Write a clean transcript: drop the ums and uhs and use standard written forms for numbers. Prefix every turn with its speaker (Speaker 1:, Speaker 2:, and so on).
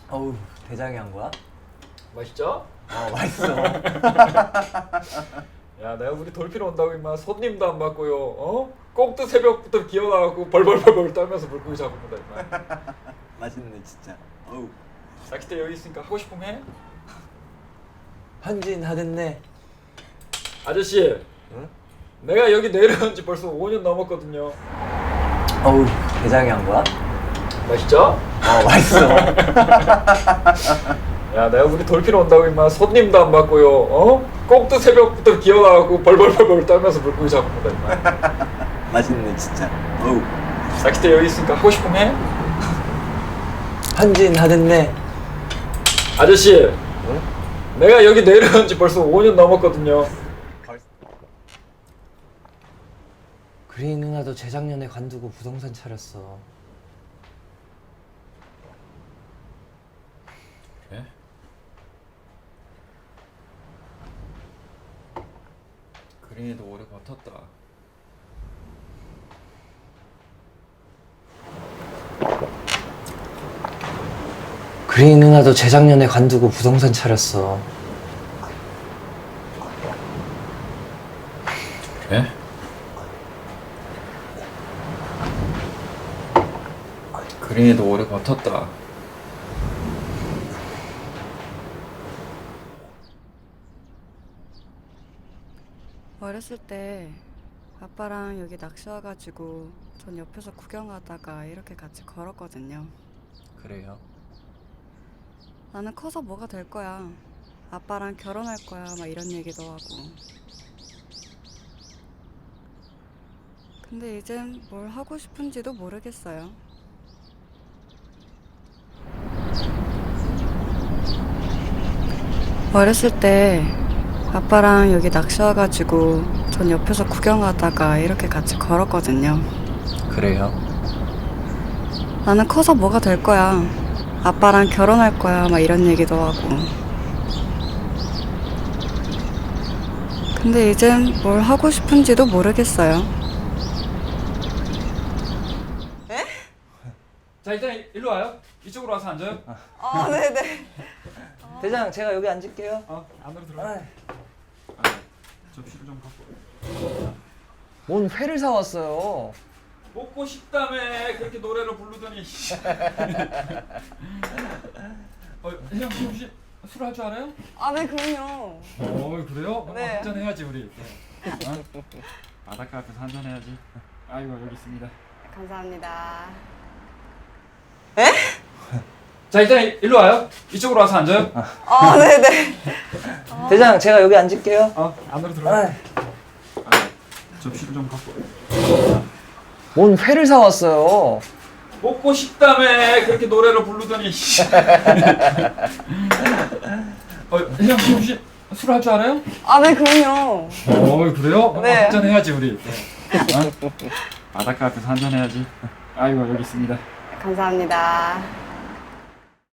Speaker 1: 어우, 대장이 한 거야?
Speaker 2: 맛있죠?
Speaker 1: 맛있어.
Speaker 2: 야, 내가 우리 돌핀 온다고 임마 손님도 안 받고요. 꼭두 새벽부터 기어나가고 벌벌벌벌 떨면서 물고기 잡습니다 임마.
Speaker 1: 맛있네 진짜. 어우.
Speaker 2: 낚싯대 여기 있으니까 하고 싶으면 해.
Speaker 1: 헌진하겠네.
Speaker 2: 아저씨,
Speaker 1: 응?
Speaker 2: 내가 여기 내려온 지 벌써 5년 넘었거든요.
Speaker 1: 어우, 대장이 한 거야?
Speaker 2: 맛있죠?
Speaker 1: 맛있어.
Speaker 2: 야, 내가 우리 돌핀 온다고 임마 손님도 안 받고요. 꼭두 새벽부터 기어나가고 벌벌벌벌 떨면서 물고기 잡습니다 임마.
Speaker 1: 맛있네 진짜. 어우.
Speaker 2: 낚싯대 여기 있으니까 하고 싶으면 해.
Speaker 1: 헌진하겠네.
Speaker 2: 아저씨,
Speaker 1: 응?
Speaker 2: 내가 여기 내려온 지 벌써 5년 넘었거든요.
Speaker 1: 그리 누나도 재작년에 관두고 부동산 차렸어.
Speaker 2: 그래? 그린이도 오래 버텼다.
Speaker 1: 그리 누나도 재작년에 관두고 부동산 차렸어.
Speaker 2: 그래? 그린이도 오래 버텼다.
Speaker 3: 어렸을 때 아빠랑 여기 낚시 와가지고 전 옆에서 구경하다가 이렇게 같이 걸었거든요.
Speaker 1: 그래요?
Speaker 3: 나는 커서 뭐가 될 거야. 아빠랑 결혼할 거야. 막 이런 얘기도 하고. 근데 이젠 뭘 하고 싶은지도 모르겠어요. 어렸을 때 아빠랑 여기 낚시 와가지고 전 옆에서 구경하다가 이렇게 같이 걸었거든요.
Speaker 1: 그래요?
Speaker 3: 나는 커서 뭐가 될 거야. 아빠랑 결혼할 거야. 막 이런 얘기도 하고. 근데 이젠 뭘 하고 싶은지도 모르겠어요.
Speaker 2: 자, 일단 일로 와요. 이쪽으로 와서 앉아요.
Speaker 3: 네네.
Speaker 1: 대장, 제가 여기 앉을게요.
Speaker 2: 안으로 들어와. 접시를 좀 갖고.
Speaker 1: 뭔 회를 사왔어요.
Speaker 2: 먹고 싶다며 그렇게 노래를 부르더니. 혜영 씨 혹시 술 할 줄 알아요?
Speaker 3: 네, 그럼요.
Speaker 2: 그래요?
Speaker 3: 네.
Speaker 2: 한잔 해야지 우리. 바닷가 앞에서 한잔 해야지. 아이고 여기 있습니다.
Speaker 3: 감사합니다.
Speaker 2: 자, 일단 일로 와요. 이쪽으로 와서 앉아요.
Speaker 3: 네네.
Speaker 1: 대장, 제가 여기 앉을게요.
Speaker 2: 안으로 들어와. 접시를 좀 갖고.
Speaker 1: 뭔 회를 사왔어요.
Speaker 2: 먹고 싶다며 그렇게 노래를 부르더니. 혜영 씨 혹시 술 할 줄 알아요?
Speaker 3: 네, 그럼요.
Speaker 2: 그래요?
Speaker 3: 네.
Speaker 2: 한잔 해야지 우리. 바닷가 앞에서 한잔 해야지. 아이고 여기 있습니다.
Speaker 3: 감사합니다.